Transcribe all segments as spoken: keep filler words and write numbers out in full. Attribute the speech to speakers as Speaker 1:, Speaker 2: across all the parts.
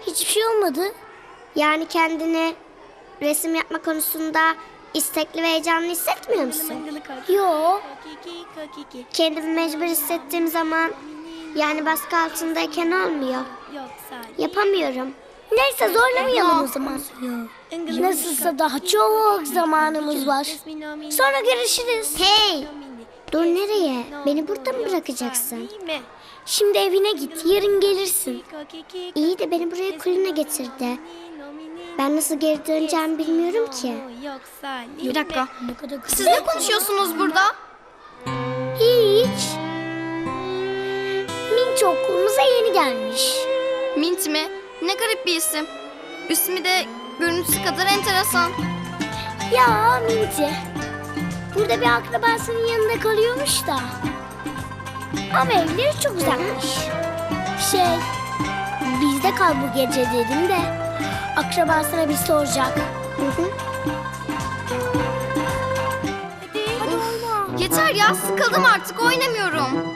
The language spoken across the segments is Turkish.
Speaker 1: Hiçbir şey olmadı. Yani kendini resim yapma konusunda istekli ve heyecanlı hissetmiyor musun? Yo. Kendimi mecbur hissettiğim zaman, yani baskı altındayken olmuyor. Yapamıyorum. Neyse zorlamayalım o zaman. Nasılsa daha çok zamanımız var. Sonra görüşürüz. Hey! Dur nereye? Beni burada mı bırakacaksın? Şimdi evine git, yarın gelirsin. İyi de beni buraya Kulina getirdi. Ben nasıl geri döneceğimi bilmiyorum ki.
Speaker 2: Bir dakika. Siz ne konuşuyorsunuz burada?
Speaker 1: Hiç. Minç okulumuza yeni gelmiş.
Speaker 2: Mint mi? Ne garip bir isim. İsmi de görüntüsü kadar enteresan.
Speaker 1: Ya Minci. Burada bir akrabasının yanında kalıyormuş da. Ama evleri çok uzakmış. Şey, bizde kal bu gece dedim de akrabasına bir soracak. Hı hı. Hadi oyna.
Speaker 2: Yeter ya, sıkıldım artık, oynamıyorum.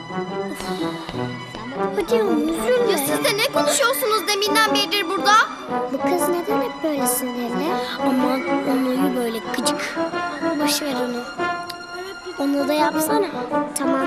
Speaker 1: Hadi üzülme.
Speaker 2: Ya siz de ne konuşuyorsunuz deminden beridir burada?
Speaker 1: Bu kız neden hep böyle sinirli? Aman onu böyle gıcık. Boş ver onu. Onu da yapsana. Tamam.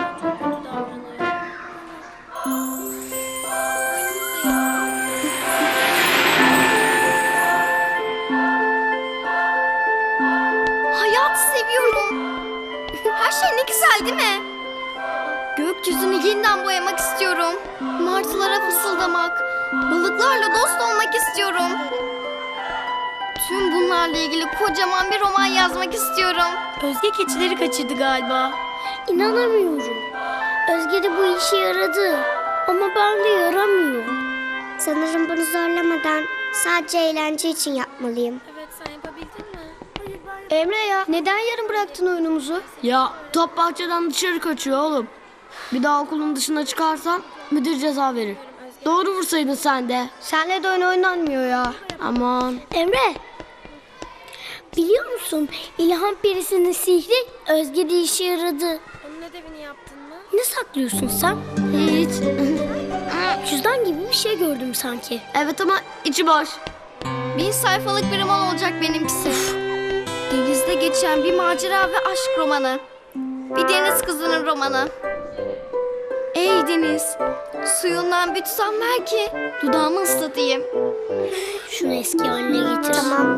Speaker 2: Hayatı seviyorum. Her şey ne güzel değil mi? Gökyüzünü yeniden boyamak istiyorum. Martılara fısıldamak, balıklarla dost olmak istiyorum. Tüm bunlarla ilgili kocaman bir roman yazmak istiyorum.
Speaker 3: Özge keçileri kaçırdı galiba.
Speaker 1: İnanamıyorum. Özge de bu işe yaradı. Ama ben de yaramıyorum. Sanırım bunu zorlamadan sadece eğlence için yapmalıyım.
Speaker 3: Evet, sen yapabildin mi?
Speaker 1: Emre ya, neden yarım bıraktın oyunumuzu?
Speaker 3: Ya top bahçeden dışarı kaçıyor oğlum. Bir daha okulun dışına çıkarsan müdür ceza verir. Doğru vursaydın sen de.
Speaker 1: Senle de oyun oynanmıyor ya.
Speaker 3: Aman.
Speaker 1: Emre, biliyor musun İlham Perisi'nin sihri Özge'de işe yaradı.
Speaker 3: Onun ödevini yaptın mı?
Speaker 1: Ne saklıyorsun sen?
Speaker 3: Hiç.
Speaker 1: Cüzdan gibi bir şey gördüm sanki.
Speaker 3: Evet ama içi boş.
Speaker 2: Bin sayfalık bir roman olacak benimkisi. Denizde geçen bir macera ve aşk romanı. Bir deniz kızının romanı. Ey deniz, suyundan bir tutam ver ki dudağımı ıslatayım.
Speaker 1: Şunu eski haline getir. Tamam.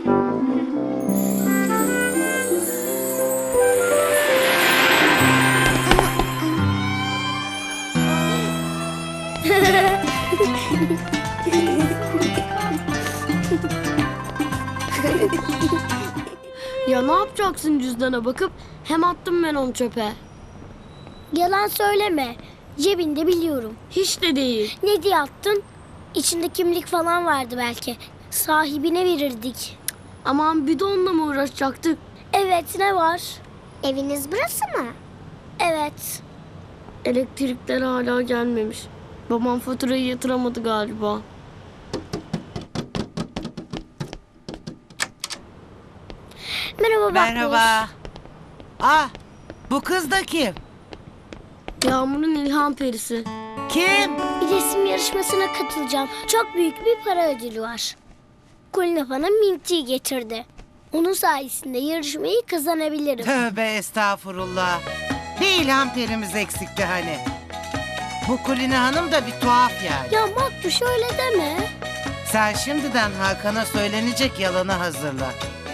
Speaker 3: Ya ne yapacaksın cüzdana bakıp? Hem attım ben onu çöpe.
Speaker 1: Yalan söyleme. Cebinde biliyorum.
Speaker 3: Hiç de değil.
Speaker 1: Ne diye attın? İçinde kimlik falan vardı belki. Sahibine verirdik.
Speaker 3: Aman bidonla mı uğraşacaktık?
Speaker 1: Evet, ne var? Eviniz burası mı? Evet.
Speaker 3: Elektrikler hala gelmemiş. Babam faturayı yatıramadı galiba.
Speaker 1: Merhaba Bakmış.
Speaker 4: Merhaba. Ah, bu kız da kim?
Speaker 3: Yağmur'un ilham perisi.
Speaker 4: Kim?
Speaker 1: Bir resim yarışmasına katılacağım. Çok büyük bir para ödülü var. Kulina bana Minty'yi getirdi. Onun sayesinde yarışmayı kazanabilirim.
Speaker 4: Tövbe estağfurullah. Bir ilham perimiz eksikti hani. Bu Kulina Hanım da bir tuhaf yani.
Speaker 1: Ya Makbuş öyle deme.
Speaker 4: Sen şimdiden Hakan'a söylenecek yalanı hazırla.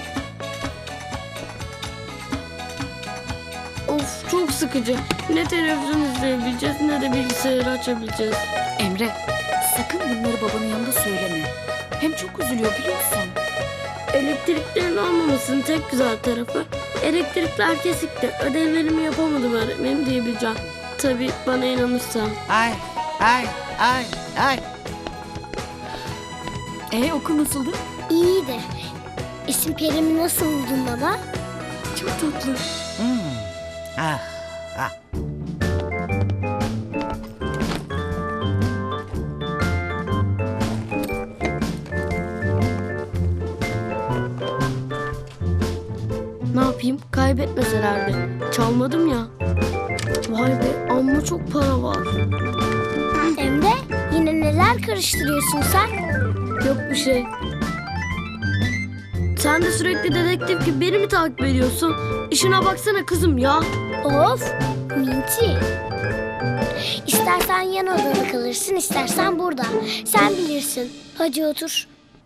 Speaker 3: Of çok sıkıcı. Ne televizyon izleyebileceğiz ne de bilgisayarı açabileceğiz.
Speaker 5: Emre, sakın bunları babanın yanında söyleme. Hem çok üzülüyor biliyorsun.
Speaker 3: Elektriklerin olmamasının tek güzel tarafı elektrikler kesikti. Ödevlerimi yapamadım öğretmenim diyebileceğim. Tabii bana inanırsan.
Speaker 4: Ay, ay, ay, ay.
Speaker 5: E okul nasıldı?
Speaker 1: İyi de isim Perim'i nasıl buldun baba?
Speaker 5: Çok tatlı.
Speaker 4: Hmm. Ah, ah.
Speaker 3: Ne yapayım? Kaybetmeselerdi. Çalmadım ya. Vay be amma çok para var.
Speaker 1: Emre yine Yine neler karıştırıyorsun sen?
Speaker 3: Yok bir şey. Sen de sürekli dedektif gibi beni mi takip ediyorsun? İşine baksana kızım ya.
Speaker 1: Of, Minti. İstersen yan odada kalırsın, istersen burada. Sen bilirsin. Hadi otur.